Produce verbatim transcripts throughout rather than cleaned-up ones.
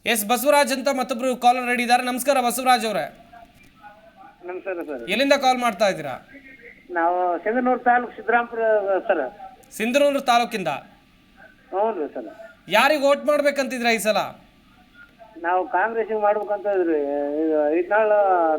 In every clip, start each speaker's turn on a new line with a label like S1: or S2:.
S1: S Basavaraj ಅಂತ ಮತ್ತೊಬ್ರು caller ready ಇದ್ದಾರೆ. ನಮಸ್ಕಾರ ಬಸವರಾಜ್ ಅವರೇ.
S2: ನಮಸ್ಕಾರ ಸರ್.
S1: ಎಲ್ಲಿಂದ ಕಾಲ್ ಮಾಡ್ತಾ ಇದ್ದೀರಾ?
S2: ನಾವು ಸಿಂಧನೂರು ತಾಲೂಕು ಸಿದ್ದರಾಮಪುರ ಸರ್.
S1: ಸಿಂಧನೂರು ತಾಲೂಕಿಂದ?
S2: ಹ್ಞೂ ರೀ ಸರ್.
S1: ಯಾರಿಗೆ ವೋಟ್ ಮಾಡ್ಬೇಕಂತಿದ್ರ ಈ ಸಲ?
S2: ನಾವು ಕಾಂಗ್ರೆಸ್ಸಿಗೆ ಮಾಡ್ಬೇಕಂತ ಇದ್ರಿ. ಐದ್ನಾಳ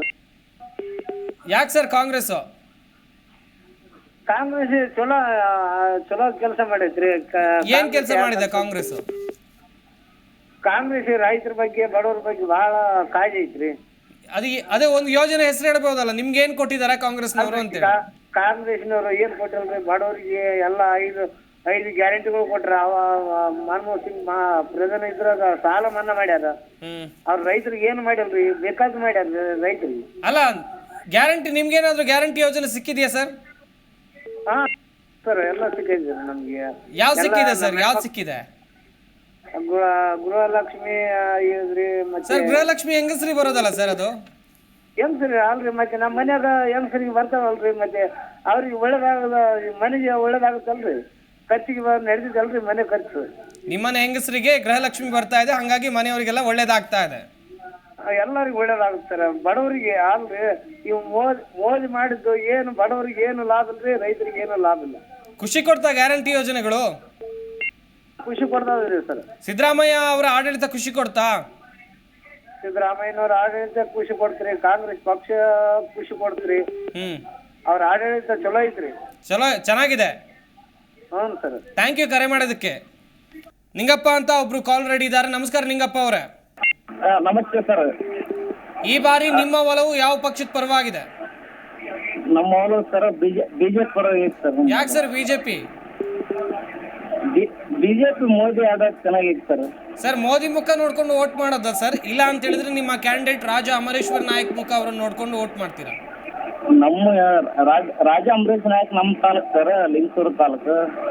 S1: ಯಾಕೆ ಸರ್ ಕಾಂಗ್ರೆಸ್?
S2: ಕಾಂಗ್ರೆಸ್ ಚಲೋ ಚಲೋ ಕೆಲಸ ಮಾಡೈತ್ರಿ.
S1: ಏನ್ ಕೆಲಸ ಮಾಡಿದೆ ಕಾಂಗ್ರೆಸ್?
S2: ಕಾಂಗ್ರೆಸ್ ರೈತರ ಬಗ್ಗೆ ಬಡವರ ಬಗ್ಗೆ ಬಹಳ ಕಾಳಜಿ ಐತ್ರಿ.
S1: ಅದೇ ಅದೇ ಒಂದು ಯೋಜನೆ ಹೆಸರು ಹೇಳ್ಬೋದಲ್ಲ, ನಿಮ್ಗೆ ಏನ್ ಕೊಟ್ಟಿದ್ದಾರೆ ಕಾಂಗ್ರೆಸ್ನವರು ಅಂತೇಳಿ?
S2: ಕಾಂಗ್ರೆಸ್ನವರು ಏನ್ ಕೊಟ್ಟಿಲ್ರಿ ಬಡವರಿಗೆ ಎಲ್ಲ ಐದು ಐದು ಗ್ಯಾರಂಟಿಗಳು ಕೊಟ್ರ. ಅವ ಮನಮೋಹನ್ ಸಿಂಗ್ ಮಾ ಪ್ರಧಾನ ಇದ್ರಾಗ ಸಾಲ ಮನ್ನಾ ಮಾಡ್ಯಾರ. ಅವ್ರ ರೈತರಿಗೆ ಏನು ಮಾಡಿಲ್ರಿ, ಬೇಕಾದ್ ಮಾಡ್ಯಾರ ರೈತರಿಗೆ.
S1: ಅಲ್ಲ ಗ್ಯಾರಂಟಿ, ನಿಮ್ಗೇನಾದ್ರು ಗ್ಯಾರಂಟಿ ಯೋಜನೆ ಸಿಕ್ಕಿದೆಯಾ ಸರ್?
S2: ಹಾ ಸರ್, ಎಲ್ಲ ಸಿಕ್ಕಿದೆ ನಮ್ಗೆ.
S1: ಯಾವ ಸಿಕ್ಕಿದೆ ಸರ್? ಯಾವ್ದು ಸಿಕ್ಕಿದೆ?
S2: ಗೃಹಲಕ್ಷ್ಮಿ ಇದ್ರಿ. ಮತ್ತೆ
S1: ಸರ್ ಗೃಹಲಕ್ಷ್ಮಿ ಹೆಂಗಸ್ರಿ ಬರೋದಲ್ಲ ಸರ್ ಅದು?
S2: ಹೆಂಗ್ಸರಿ ಅಲ್ರಿ, ಮತ್ತೆ ನಮ್ಮ ಮನ್ಯಾಗ ಹೆಂಗಸರಿಗೆ ಬರ್ತಾವಲ್ರಿ, ಮತ್ತೆ ಅವ್ರಿಗೆ ಒಳ್ಳೇದಾಗದ, ಮನೆಗೆ ಒಳ್ಳೇದಾಗುತ್ತಲ್ರಿ, ಖರ್ಚಿಗೆ ನಡೆದಿದ್ದಲ್ರಿ ಮನೆ ಖರ್ಚು.
S1: ನಿಮ್ಮನೆ ಹೆಂಗಸರಿಗೆ ಗೃಹಲಕ್ಷ್ಮಿ ಬರ್ತಾ ಇದೆ, ಹಂಗಾಗಿ ಮನೆಯವರಿಗೆಲ್ಲ ಒಳ್ಳೇದಾಗ್ತಾ ಇದೆ.
S2: ಎಲ್ಲರಿಗೂ ಒಳ್ಳೇದಾಗುತ್ತಾರೆ, ಬಡವರಿಗೆ ಅಲ್ರಿ. ಇವ್ ಮೋದಿ ಮೋದಿ ಮಾಡಿದ್ದು ಏನು ಬಡವರಿಗೆ ಏನು ಲಾಭ ಇಲ್ರಿ, ರೈತರಿಗೆ ಏನು ಲಾಭ ಇಲ್ಲ.
S1: ಖುಷಿ ಕೊಡ್ತಾ ಗ್ಯಾರಂಟಿ ಯೋಜನೆಗಳು?
S2: ಖುಷಿ ಕೊಡ್ತಾವ್ರಿ ಸರ್.
S1: ಸಿದ್ದರಾಮಯ್ಯ ಅವರ ಆಡಳಿತ ಖುಷಿ ಕೊಡ್ತಾ?
S2: ಸಿದ್ದರಾಮಯ್ಯನವ್ರ ಆಡಳಿತ ಖುಷಿ ಕೊಡ್ತೀರಿ, ಕಾಂಗ್ರೆಸ್ ಪಕ್ಷ ಖುಷಿ ಕೊಡ್ತೀರಿ.
S1: ಹ್ಮ್,
S2: ಅವ್ರ ಆಡಳಿತ ಚಲೋ ಐತ್ರಿ.
S1: ಚಲೋ ಚೆನ್ನಾಗಿದೆ.
S2: ಹ್ಞೂ ಸರ್.
S1: ಥ್ಯಾಂಕ್ ಯು ಕರೆ ಮಾಡೋದಕ್ಕೆ. ನಿಂಗಪ್ಪ ಅಂತ ಒಬ್ರು ಕಾಲ್ ರೆಡಿ ಇದ್ದಾರೆ. ನಮಸ್ಕಾರ ನಿಂಗಪ್ಪ ಅವರೇ.
S2: ನಮಸ್ತೆ ಸರ್.
S1: ಈ ಬಾರಿ ನಿಮ್ಮ ಒಲವು ಯಾವ ಪಕ್ಷದ ಪರವಾಗಿದೆ?
S2: ನಮ್ಮ ಒಲವು ಸರ್ ಬಿಜೆಪಿ ಪರವಾಗಿದೆ ಸರ್.
S1: ಯಾಕೆ ಸರ್ ಬಿಜೆಪಿ?
S2: ಬಿಜೆಪಿ ಮೋದಿ ಆದಾಗ ಚೆನ್ನಾಗಿತ್ತು ಸರ್.
S1: ಸರ್ ಮೋದಿ ಮುಖ ನೋಡ್ಕೊಂಡು ವೋಟ್ ಮಾಡೋದ ಸರ್? ಇಲ್ಲ ಅಂತ ಹೇಳಿದ್ರೆ ನಿಮ್ಮ ಕ್ಯಾಂಡಿಡೇಟ್ ರಾಜ ಅಮರೇಶ್ವರ್ ನಾಯಕ್ ಮುಖ ಅವರನ್ನು ನೋಡ್ಕೊಂಡು ವೋಟ್ ಮಾಡ್ತೀರಾ?
S2: ನಮ್ಮ ರಾಜ ಅಮರೇಶ್ ನಾಯಕ್ ನಮ್ಮ ತಾಲೂಕು ಸರ್, ಲಿಂಗಸೂರು ತಾಲೂಕು.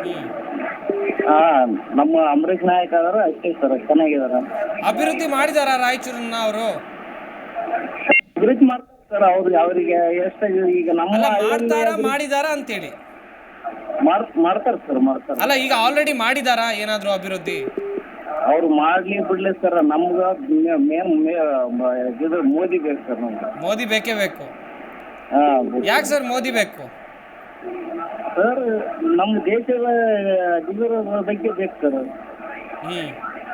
S2: ಹಾ, ನಮ್ಮ ಅಮರೇಶ್ ನಾಯಕ್ ಆದ್ರೆ ಅಷ್ಟೇ ಸರ್, ಚೆನ್ನಾಗಿದಾರ.
S1: ಅಭಿವೃದ್ಧಿ ಮಾಡಿದಾರ ರಾಯಚೂರನ್ನ ಅವರು?
S2: ಅಭಿವೃದ್ಧಿ ಮಾಡ್ತಾರೆ ಸರ್. ಅವ್ರಿಗೆ ಅವರಿಗೆ ಎಷ್ಟು ಈಗ ನಮ್ಮ
S1: ಮಾಡ್ತಾರ ಮಾಡಿದಾರ ಅಂತೇಳಿ
S2: ಮಾಡ್ತಾರೆ ಸರ್, ಮಾಡ್ತಾರೆ.
S1: ಅಲ್ಲ ಈಗ ಆಲ್ರೆಡಿ ಮಾಡಿದಾರ ಏನಾದ್ರು ಅಭಿವೃದ್ಧಿ?
S2: ಅವ್ರು ಮಾಡ್ಲಿ ಬಿಡ್ಲಿ ಸರ್, ನಮ್ಗ ಮೇನ್ ಇದು ಮೋದಿ ಬೇಕು ಸರ್. ನಮ್ಗೆ
S1: ಮೋದಿ ಬೇಕೇ ಬೇಕು.
S2: ಹಾ,
S1: ಯಾಕೆ ಸರ್ ಮೋದಿ ಬೇಕು
S2: ಸರ್? ನಮ್ಮ ದೇಶದ ಅಭಿವೃದ್ಧಿ ಬಗ್ಗೆ ಬೇಕು ಸರ್.
S1: ಹ್ಮ್,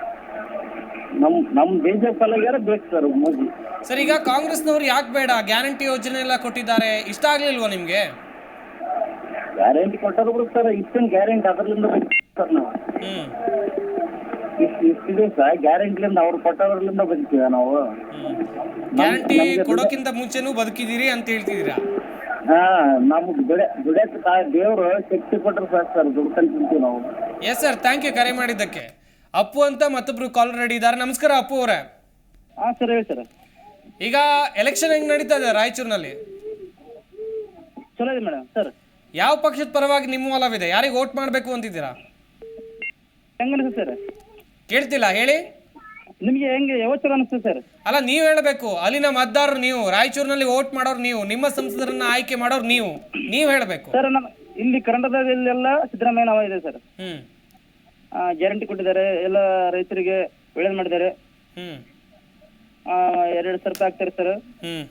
S2: ನಮ್ ನಮ್ಮ ದೇಶ ಫಲಗಾರ ಬೇಕು ಸರ್ ಮೋದಿ.
S1: ಸರ್ ಈಗ ಕಾಂಗ್ರೆಸ್ನವ್ರು ಯಾಕೆ ಬೇಡ? ಗ್ಯಾರಂಟಿ ಯೋಜನೆ ಎಲ್ಲ ಕೊಟ್ಟಿದ್ದಾರೆ, ಇಷ್ಟ ಆಗ್ಲಿಲ್ವಾ ನಿಮ್ಗೆ?
S2: ಗ್ಯಾರಂಟಿ ಕೊಟ್ಟರು ಸರ್, ಇಷ್ಟೊಂದು ಗ್ಯಾರಂಟಿ ಅದರಿಂದ ಸರ್ ನಾವು
S1: ಹ್ಮ್
S2: ಇಷ್ಟು ಇಷ್ಟಿದೆ ಸರ್ ಗ್ಯಾರಂಟಿಲಿಂದ ಅವ್ರು ಕೊಟ್ಟದ್ರಲಿಂದ ಬದುಕಿವ ನಾವು.
S1: ಗ್ಯಾರಂಟಿ ಕೊಡೋಕ್ಕಿಂತ ಮುಂಚೆನೂ ಬದುಕಿದೀರಿ ಅಂತ ಹೇಳ್ತಿದ್ದೀರಾ?
S2: ಹಾ, ನಮ್ಗೆ ದುಡ ದುಡ್ಯಕ್ಕೆ ದೇವ್ರು ಶಕ್ತಿ ಕೊಟ್ಟರು ಸರ್ ಸರ್ ದುಡ್ಕೊಂಡು ತಿಂತೀವಿ ನಾವು.
S1: ಎಸ್ ಸರ್, ಥ್ಯಾಂಕ್ ಯು ಕರೆ ಮಾಡಿದ್ದಕ್ಕೆ. ಅಪ್ಪು ಅಂತ ಮತ್ತೊಬ್ರು ಕಾಲ್ ರೆಡಿ ಇದ್ದಾರೆ. ನಮಸ್ಕಾರ ಅಪ್ಪು ಅವರೇ.
S2: ಹಾ ಸರ್, ಹೇಳಿ ಸರ್.
S1: ಈಗ ಎಲೆಕ್ಷನ್ ಹೆಂಗ್ ನಡೀತಾ ಇದೆ ರಾಯಚೂರಿನಲ್ಲಿ?
S2: ಚಲೋ ಇದೆ ಮೇಡಮ್ ಸರ್.
S1: ಯಾವ ಪಕ್ಷದ ಪರವಾಗಿ ನಿಮ್ಮ ಒಲವಿದೆ? ಯಾರಿಗೆ ವೋಟ್ ಮಾಡಬೇಕು ಅಂತಿದ್ದೀರಾ?
S2: ಹೆಂಗ ಅನಿಸ್ತದೆ ಸರ್?
S1: ಕೇಳ್ತಿಲ್ಲ, ಹೇಳಿ.
S2: ನಿಮಗೆ ಹೆಂಗೆ ಯಾವ ಚಲೋ ಅನಿಸ್ತದೆ ಸರ್?
S1: ಅಲ್ಲ ನೀವು ಹೇಳಬೇಕು, ಅಲ್ಲಿನ ಮತದಾರರು ನೀವು, ರಾಯಚೂರಿನಲ್ಲಿ ವೋಟ್ ಮಾಡೋರು ನೀವು, ನಿಮ್ಮ ಸಂಸದರನ್ನ ಆಯ್ಕೆ ಮಾಡೋರು ನೀವು, ನೀವು ಹೇಳಬೇಕು
S2: ಸರ್. ನಮ್ಮ ಇಲ್ಲಿ ಕರ್ನಾಟಕದಲ್ಲೆಲ್ಲ ಸಿದ್ದರಾಮಯ್ಯ ನಾವ ಇದೆ ಸರ್.
S1: ಹ್ಮ್,
S2: ಗ್ಯಾರಂಟಿ ಕೊಟ್ಟಿದ್ದಾರೆ, ಎಲ್ಲ ರೈತರಿಗೆ ಒಳ್ಳೇದು ಮಾಡಿದ್ದಾರೆ.
S1: ಹ್ಮ್,
S2: ಎರಡು ಸಾವಿರ ರೂಪಾಯಿ ಆಗ್ತಾರೆ ಸರ್.
S1: ಹ್ಮ್,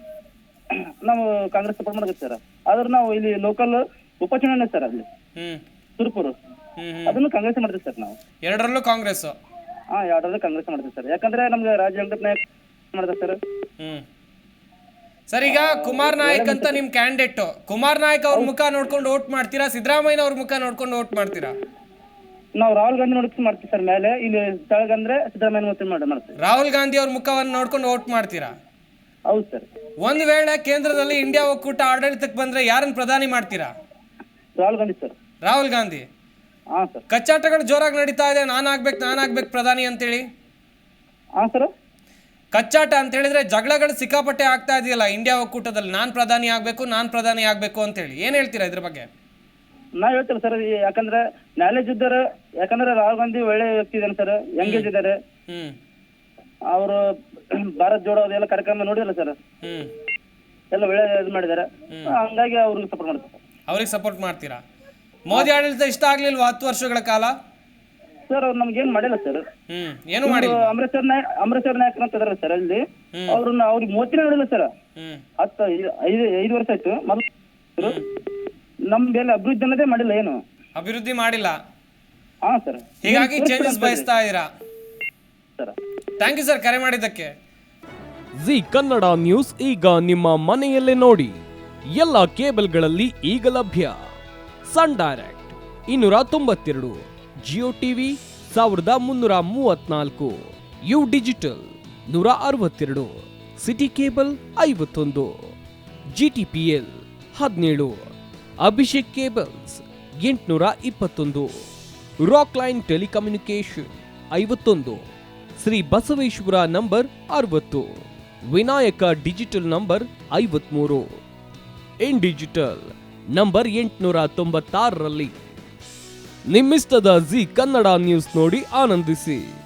S2: ನಾವು ಕಾಂಗ್ರೆಸ್ ಸಪೋರ್ಟ್ ಮಾಡಬೇಕು ಸರ್. ಆದ್ರೆ ನಾವು ಇಲ್ಲಿ ಲೋಕಲ್ ಉಪಚುನಾವಣೆ ಸರ್, ಅಲ್ಲಿ
S1: ಹ್ಮ್,
S2: ಸುರಪುರ,
S1: ಹ್ಮ್,
S2: ಅದನ್ನು ಕಾಂಗ್ರೆಸ್ ಮಾಡ್ತೀವಿ ಸರ್ ನಾವು.
S1: ಎರಡರಲ್ಲೂ ಕಾಂಗ್ರೆಸ್?
S2: ಹಾ, ಎರಡರಲ್ಲೂ ಕಾಂಗ್ರೆಸ್ ಮಾಡ್ತೀವಿ ಸರ್. ಯಾಕಂದ್ರೆ ನಮ್ಗೆ ರಾಜ್ಯ ವೆಂಕಟ ನಾಯಕ್ ಮಾಡ್ತಾರೆ ಸರ್.
S1: ಹ್ಮ್, ಸರ್ ಈಗ ಕುಮಾರ್ ನಾಯಕ್ ಅಂತ ನಿಮ್ ಕ್ಯಾಂಡಿಡೇಟ್, ಕುಮಾರ್ ನಾಯಕ್ ಅವ್ರ ಮುಖ ನೋಡ್ಕೊಂಡು ವೋಟ್ ಮಾಡ್ತೀರಾ, ಸಿದ್ದರಾಮಯ್ಯ ಅವ್ರ ಮುಖ ನೋಡ್ಕೊಂಡು ವೋಟ್ ಮಾಡ್ತೀರಾ?
S2: ನಾವು ರಾಹುಲ್ ಗಾಂಧಿ ನೋಡ್ಕೊಂಡು ಮಾಡ್ತೀವಿ ಸರ್. ಮೇಲೆ ಇಲ್ಲಿ ಸ್ಥಳಗಂದ್ರೆ ಸಿದ್ದರಾಮಯ್ಯ ಮತ್ತೆ ಮಾಡಿ ಮಾಡ್ತೀವಿ.
S1: ರಾಹುಲ್ ಗಾಂಧಿ ಅವ್ರ ಮುಖವನ್ನು ನೋಡ್ಕೊಂಡು ವೋಟ್ ಮಾಡ್ತೀರಾ?
S2: ಹೌದು ಸರ್.
S1: ಒಂದ್ ವೇಳೆ ಕೇಂದ್ರದಲ್ಲಿ ಇಂಡಿಯಾ ಒಕ್ಕೂಟ ಆಡಳಿತಕ್ಕೆ ಬಂದ್ರೆ ಯಾರನ್ನ ಪ್ರಧಾನಿ ಮಾಡ್ತೀರಾ?
S2: ರಾಹುಲ್ ಗಾಂಧಿ ಸರ್.
S1: ರಾಹುಲ್ ಗಾಂಧಿ?
S2: ಹಾ ಸರ್.
S1: ಕಚ್ಚಾಟಗಳು ಜೋರಾಗಿ ನಡೀತಾ ಇದೆ, ನಾನ್ ಆಗ್ಬೇಕು ನಾನ್ ಆಗ್ಬೇಕು ಪ್ರಧಾನಿ ಅಂತೇಳಿ.
S2: ಹಾ ಸರ್.
S1: ಕಚ್ಚಾಟ ಅಂತ ಹೇಳಿದ್ರೆ ಜಗಳಗಳು ಸಿಕ್ಕಾಪಟ್ಟೆ ಆಗ್ತಾ ಇದೆಯಲ್ಲ ಇಂಡಿಯಾ ಒಕ್ಕೂಟದಲ್ಲಿ, ನಾನ್ ಪ್ರಧಾನಿ ಆಗ್ಬೇಕು ನಾನ್ ಪ್ರಧಾನಿ ಆಗ್ಬೇಕು ಅಂತ ಹೇಳಿ, ಏನ್ ಹೇಳ್ತೀರಾ ಇದ್ರ ಬಗ್ಗೆ?
S2: ನಾವ್ ಹೇಳ್ತೇವೆ ಸರ್, ಯಾಕಂದ್ರೆ ನಾಲೆಜ್ ಇದ್ದಾರೆ. ಯಾಕಂದ್ರೆ ರಾಹುಲ್ ಗಾಂಧಿ ಒಳ್ಳೆ ವ್ಯಕ್ತಿ ಇದಾರೆ ಸರ್, ಎಂಗೇಜ್ ಇದ್ದಾರೆ.
S1: ಹ್ಮ್,
S2: ಅವರು ಭಾರತ್ ಜೋಡೋ ಅದೆಲ್ಲ ಕಾರ್ಯಕ್ರಮ ನೋಡಿಲ್ಲ ಸರ್,
S1: ಹ್ಮ್,
S2: ಎಲ್ಲ ಒಳ್ಳೆ ಇದು ಮಾಡಿದ್ದಾರೆ. ಹಂಗಾಗಿ ಅವ್ರಿಗೆ ಸಪೋರ್ಟ್ ಮಾಡ್ತಾರೆ.
S1: ಅವ್ರಿಗೆ ಸಪೋರ್ಟ್ ಮಾಡ್ತೀರಾ? ಮೋದಿ ಆಡಳಿತ ಇಷ್ಟ ಆಗ್ಲಿಲ್ವಾ ಹತ್ತು ವರ್ಷಗಳ ಕಾಲ?
S3: ಸರ್ ಅವ್ರು ನಮ್ಗೆ ಏನ್ ಮಾಡಿಲ್ಲ ಸರ್.
S1: ಹ್ಮ್ ಏನು ಮಾಡಿಲ್ಲ.
S3: ಅಮರೇಶ್ವರ್ ನಾಯಕ್ ಅಮರೇಶ್ವರ್ ನಾಯಕ್ ಅಂತ ಇದಾರೆ ಸರ್ ಅಲ್ಲಿ, ಅವ್ರನ್ನ ಅವ್ರಿಗೆ ಮೂವತ್ತಿನ ಹೇಳಿಲ್ಲ ಸರ್.
S1: ಹ್ಮ್
S3: ಹತ್ತು ಐದು ಐದು ವರ್ಷ ಆಯ್ತು ಮೊದಲು. ನಮ್ ಮೇಲೆ ಅಭಿವೃದ್ಧಿ ಅನ್ನೋದೇ ಮಾಡಿಲ್ಲ, ಏನು
S1: ಅಭಿವೃದ್ಧಿ ಮಾಡಿಲ್ಲ.
S3: ಹಾ ಸರ್.
S1: ಹೀಗಾಗಿ ಚೇಂಜಸ್ ಬಯಸ್ತಾ ಇದೀರಾ
S3: ಸರ್.
S1: ಥ್ಯಾಂಕ್ ಯು ಸರ್ ಕರೆ ಮಾಡಿದ್ದಕ್ಕೆ.
S4: ಜಿ ಕನ್ನಡ ನ್ಯೂಸ್ ಈಗ ನಿಮ್ಮ ಮನೆಯಲ್ಲೇ ನೋಡಿ. ಎಲ್ಲ ಕೇಬಲ್ಗಳಲ್ಲಿ ಈಗ ಲಭ್ಯ. ಸನ್ ಡೈರೆಕ್ಟ್ ಇನ್ನೂರ ತೊಂಬತ್ತೆರಡು, ಜಿಯೋ ಟಿವಿ ಸಾವಿರದ ಮುನ್ನೂರ ಮೂವತ್ನಾಲ್ಕು, ಯು ಡಿಜಿಟಲ್ ನೂರ ಅರವತ್ತೆರಡು, ಸಿಟಿ ಕೇಬಲ್ ಐವತ್ತೊಂದು, ಜಿಟಿಪಿಎಲ್ ಹದಿನೇಳು, ಅಭಿಷೇಕ್ ಕೇಬಲ್ಸ್ ಎಂಟುನೂರ ಇಪ್ಪತ್ತೊಂದು, ರಾಕ್ ಲೈನ್ ಟೆಲಿಕಮ್ಯುನಿಕೇಶನ್ ಐವತ್ತೊಂದು, ಶ್ರೀ ಬಸವೇಶ್ವರ ನಂಬರ್ ಅರವತ್ತು, ವಿನಾಯಕ ಡಿಜಿಟಲ್ ನಂಬರ್ ಐವತ್ಮೂರು, ಇನ್ ಡಿಜಿಟಲ್ ನಂಬರ್ ಎಂಟುನೂರ ತೊಂಬತ್ತಾರರಲ್ಲಿ. ನಿಮ್ಮಿಸ್ತದ ಜಿ ಕನ್ನಡ ನ್ಯೂಸ್ ನೋಡಿ ಆನಂದಿಸಿ.